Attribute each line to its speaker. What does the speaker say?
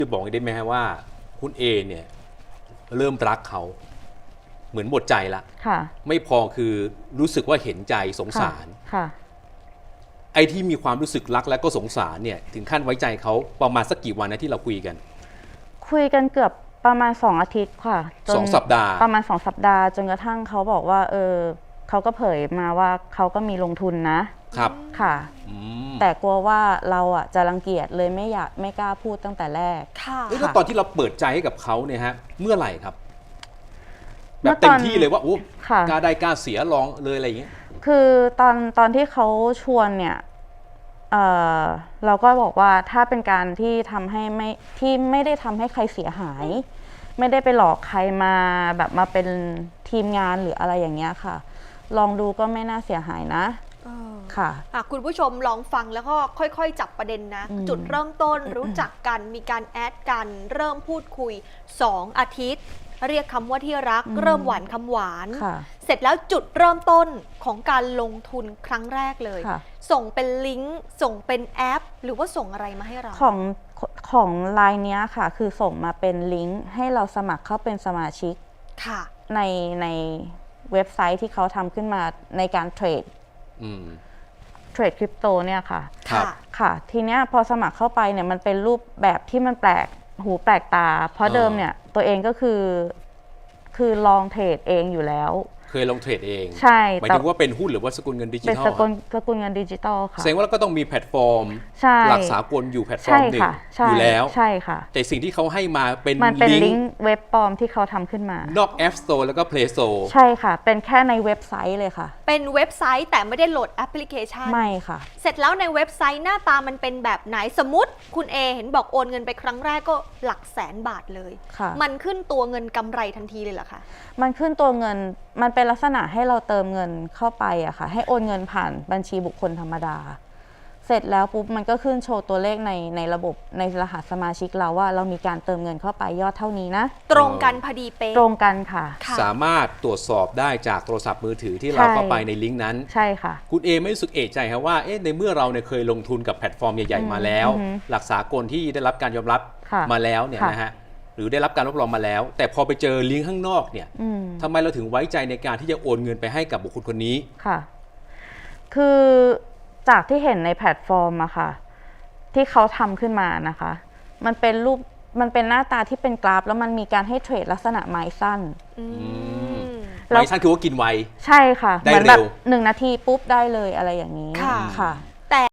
Speaker 1: จะบอกได้ไหมฮะว่าคุณเอเนี่ยเริ่มรักเขาเหมือนหมดใจละ
Speaker 2: ค่ะ
Speaker 1: ไม่พอคือรู้สึกว่าเห็นใจสงสาร
Speaker 2: ค่ะ
Speaker 1: ไอ้ที่มีความรู้สึกรักและก็สงสารเนี่ยถึงขั้นไว้ใจเขาประมาณสักกี่วันนะที่เราคุยกัน
Speaker 2: เกือบประมาณ2 อาทิตย์ค่ะ
Speaker 1: 2 สัปดาห์
Speaker 2: ประมาณ2 สัปดาห์จนกระทั่งเขาบอกว่าเขาก็เผยมาว่าเขาก็มีลงทุนนะครับค่ะแต่กลัวว่าเราอ่ะจะรังเกียจเลยไม่กล้าพูดตั้งแต่แรก
Speaker 3: ค่ะ
Speaker 1: แล้วตอนที่เราเปิดใจให้กับเขาเนี่ยฮะเมื่อไหร่ครับแบบเต็มที่เลยว่าโอ้กล้าได้กล้าเสียลองเลยอะไรอย่างเงี้ย
Speaker 2: คือตอนที่เขาชวนเนี่ยเราก็บอกว่าถ้าเป็นการที่ทำให้ไม่ได้ทำให้ใครเสียหายไม่ได้ไปหลอกใครมาแบบมาเป็นทีมงานหรืออะไรอย่างเงี้ยค่ะลองดูก็ไม่น่าเสียหายนะค่ะ
Speaker 3: คุณผู้ชมลองฟังแล้วก็ค่อยๆจับประเด็นนะจุดเริ่มต้นรู้จักกันมีการแอดกันเริ่มพูดคุย2 อาทิตย์เรียกคำว่าที่รักเริ่มหวานคำหวานเสร็จแล้วจุดเริ่มต้นของการลงทุนครั้งแรกเลยส่งเป็นลิงก์ส่งเป็นแอปหรือว่าส่งอะไรมาให้เรา
Speaker 2: ของไลน์เนี้ยค่ะคือส่งมาเป็นลิงก์ให้เราสมัครเข้าเป็นสมาชิก
Speaker 3: ค่ะ
Speaker 2: ในเว็บไซต์ที่เขาทำขึ้นมาในการเทรดคริปโตเนี่ยค่ะค่ะทีเนี้ยพอสมัครเข้าไปเนี่ยมันเป็นรูปแบบที่มันแปลกหูแปลกตาเพราะเดิมเนี่ยตัวเองก็คือลองเทรดเองอยู่แล้ว
Speaker 1: เคยลงเทรดเอง
Speaker 2: ใช่
Speaker 1: หมายถึงว่าเป็นหุ้นหรือว่าสกุลเงินดิจิทัล
Speaker 2: เป็นสกุลเงินดิจิทัลค่ะ
Speaker 1: แสดงว่าเราก็ต้องมีแพลตฟอร์มหลักสากลอยู่แพลตฟอร์มหนึ่งอยู่แล้ว
Speaker 2: ใช่ค่ะ
Speaker 1: แต่สิ่งที่เขาให้มาเป็น
Speaker 2: ลิงก์เว็บปลอมที่เขาทำขึ้นมาน
Speaker 1: อก App Store แล้วก็ Play Store
Speaker 2: ใช่ค่ะเป็นแค่ในเว็บไซต์เลยค่ะ
Speaker 3: เป็นเว็บไซต์แต่ไม่ได้โหลดแอปพลิเคชัน
Speaker 2: ไม่ค่ะ
Speaker 3: เสร็จแล้วในเว็บไซต์หน้าตามันเป็นแบบไหนสมมติคุณเอเห็นบอกโอนเงินไปครั้งแรกก็หลักแสนบาทเลยมันขึ้นตัวเงินกำไรทันทีเลยเหรอคะ
Speaker 2: มันขึ้นตัวเงินมันเป็นลักษณะให้เราเติมเงินเข้าไปอะค่ะให้โอนเงินผ่านบัญชีบุคคลธรรมดาเสร็จแล้วปุ๊บมันก็ขึ้นโชว์ตัวเลขในระบบในรหัสสมาชิกเราว่าเรามีการเติมเงินเข้าไปยอดเท่านี้นะ
Speaker 3: ตรงกันพอดีเป๊ะ
Speaker 2: ตรงกันค่ะ
Speaker 1: สามารถตรวจสอบได้จากโทรศัพท์มือถือที่เราเข้าไปในลิงก์นั้น
Speaker 2: ใช่ค่ะ
Speaker 1: คุณเอไม่รู้สึกเอะใจครับว่าในเมื่อเราเนี่ยเคยลงทุนกับแพลตฟอร์มใหญ่ๆมาแล้วหลักสากลที่ได้รับการยอมรับมาแล้วเนี่ยนะฮะหรือได้รับการรับรองมาแล้วแต่พอไปเจอลิงก์ข้างนอกเนี่ยทำไมเราถึงไว้ใจในการที่จะโอนเงินไปให้กับบุคคลคนนี้
Speaker 2: ค่ะคือจากที่เห็นในแพลตฟอร์มอะค่ะที่เขาทำขึ้นมานะคะมันเป็นรูปมันเป็นหน้าตาที่เป็นกราฟแล้วมันมีการให้เทรดลักษณะไม้สั้น
Speaker 1: ไม้สั้นคือว่ากินไว
Speaker 2: ใช่ค่ะเหมือนแบบ1 นาทีปุ๊บได้เลยอะไรอย่างนี้ค่ะ